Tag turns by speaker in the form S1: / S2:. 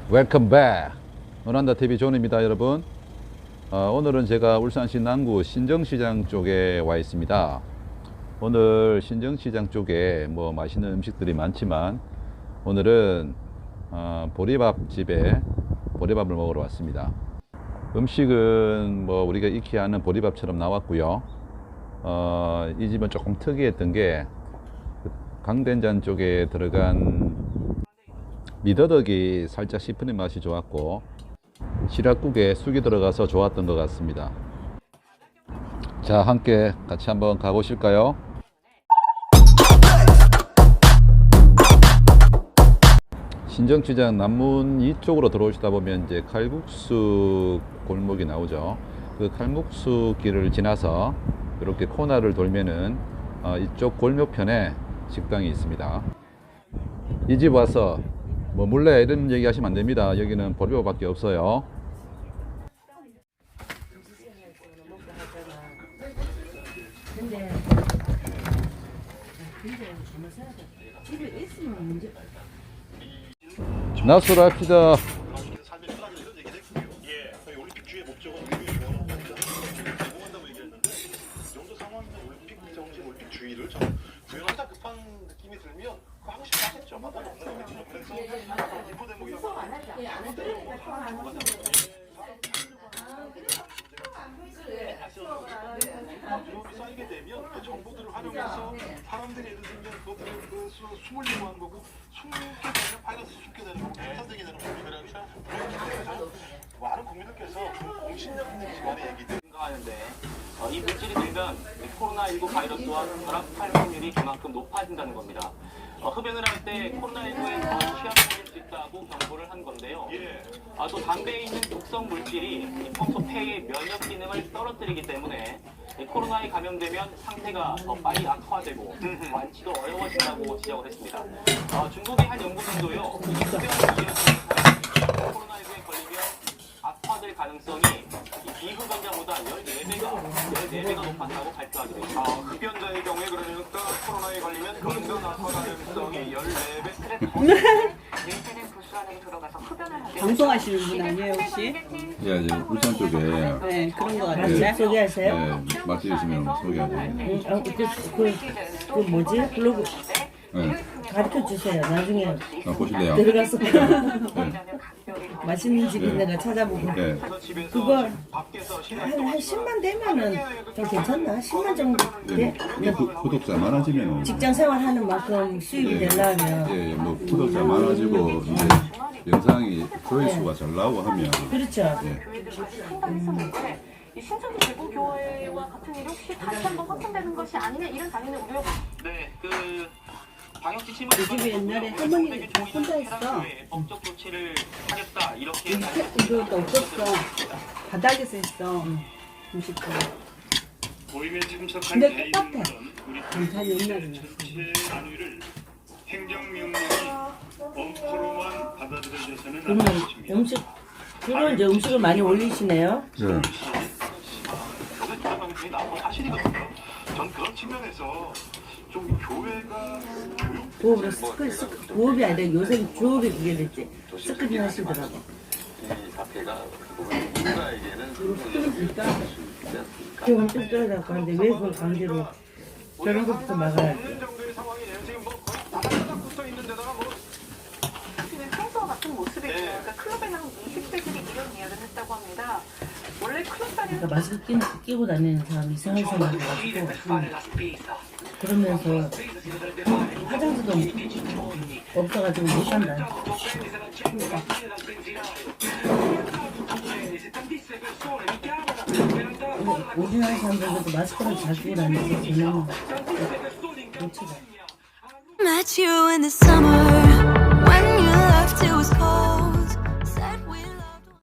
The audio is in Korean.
S1: 웰컴 백. 노란다TV 존입니다, 여러분. 오늘은 제가 울산시 남구 신정시장 쪽에 와 있습니다. 오늘 신정시장 쪽에 뭐 맛있는 음식들이 많지만 오늘은 보리밥집에 보리밥을 먹으러 왔습니다. 음식은 뭐 우리가 익히 아는 보리밥처럼 나왔고요. 이 집은 조금 특이했던 게 강된장 쪽에 들어간 미더덕이 살짝 씹히는 맛이 좋았고 시락국에 쑥이 들어가서 좋았던 것 같습니다. 자, 함께 같이 한번 가보실까요? 신정시장 남문 이쪽으로 들어오시다 보면 이제 칼국수 골목이 나오죠. 그 칼국수 길을 지나서 이렇게 코너를 돌면은 이쪽 골목편에 식당이 있습니다. 이 집 와서 뭐 몰래 이런 얘기 하시면 안 됩니다. 여기는 보리밥밖에 없어요. 나술합시다.
S2: 쌓이게 되면 그 정보들을 활용해서 사람들이 예를 들면 그것들을 숨으려고 하는 거고 숨게 되면 바이러스 숨게 되는 거고 산되게 되는 거고 그래서 많은 국민들께서 공신력 있는 기관의 얘기들
S3: 하는데 이 물질이 들면 코로나19 바이러스와 결합할 확률이 그만큼 높아진다는 겁니다. 흡연을 할 때 코로나19에 더 취약해질 수 있다고 경고를 한 건데요. 또 담배에 있는 독성 물질이 평소 폐의 면역 기능을 떨어뜨리기 때문에 코로나에 감염되면 상태가 더 빨리 악화되고 완치도 어려워진다고 지적을 했습니다. 중국의 한 연구진도요, 흡연을 이어지는 사람이 코로나19에 걸리면 악화될 가능성이 비흡연자보다 14배가 높았다고 발표하기도 했습니다.
S2: 흡연자의 경우에 그러니까 코로나에 걸리면 근근 악화 가능성이 14배.
S4: 뇌세는 부수 안에 들어가서 흡연을 하게
S5: 방송하시는 분 아니에요 혹시?
S1: 예, 이제 울산 쪽에
S5: 네 그런 거 같은데 소개하세요?
S1: 맛집 있으면 소개하고.
S5: 그 뭐지? 블로그
S1: 네.
S5: 가르쳐 주세요. 나중에
S1: 보실래요?
S5: 들어가서
S1: 네.
S5: 맛있는 집 있는 거 찾아보고
S1: 네.
S5: 그거 한 10만 되면은 좀 괜찮나? 10만 정도 돼?
S1: 구독자 많아지면
S5: 직장 생활하는 만큼 수입이 되려면
S1: 예, 뭐 구독자 많아지고 이제 영상이 조회수가 잘 나오고 하면
S5: 그렇죠.
S1: 예.
S4: 교회들이 같이 상담했었는데 이 신천지 대구교회와 같은 일이 혹시 다시 한번 확산되는 것이 아니냐 이런 당연히 우려가
S3: 네, 방역 지침을
S5: 이 집이 옛날에 할머니 다 혼자 했어.
S3: 법적 조치를 하겠다 이렇게
S5: 이거 없었어. 바닥에서 했어. 음식도.
S6: 모임에 참석한
S5: 근데 똑같아.
S6: 대의원들은 우리
S5: 경찰이 옛날에
S6: 전체 안위를 행정명령이 엄포로만 받아들여져서는 안
S5: 그러면
S6: 되겠습니다.
S5: 음식 주로 이제 음식을 많이 올리시네요.
S1: 네.
S2: 교회 주장방송이 나온 사실이거든요. 전 그런 측면에서 좀 교회가 교육
S5: 부업으로 부업이 아니라 요새 주업이 그게 됐지. 스크린 하시더라고.
S7: 이 사태가 보면 누군가에게는
S5: 그러니까 그걸 엄청 떨어져갖고 하는데 왜 그걸 강제로 저런 것부터 막아야 돼.
S2: 없는 정도의 상황이네요. 지금 뭐 거의 다닥다닥 붙어 있는 데다가 뭐
S4: 그냥 평소와 같은 모습이죠. 그러니까 클럽에 나온 20대들이 이런 이야기를 했다고 합니다. 원래 클럽 다니는
S5: 그러니까 마스크 끼고 다니는 사람 이상한 사람 가지고 그러면서 화장지도 없어가지고 못 산다. 우리나라 사람들도 마스크를 잘 끼고 다니는 게 저는 놓치다.
S8: Met you in the summer when you left it was cold.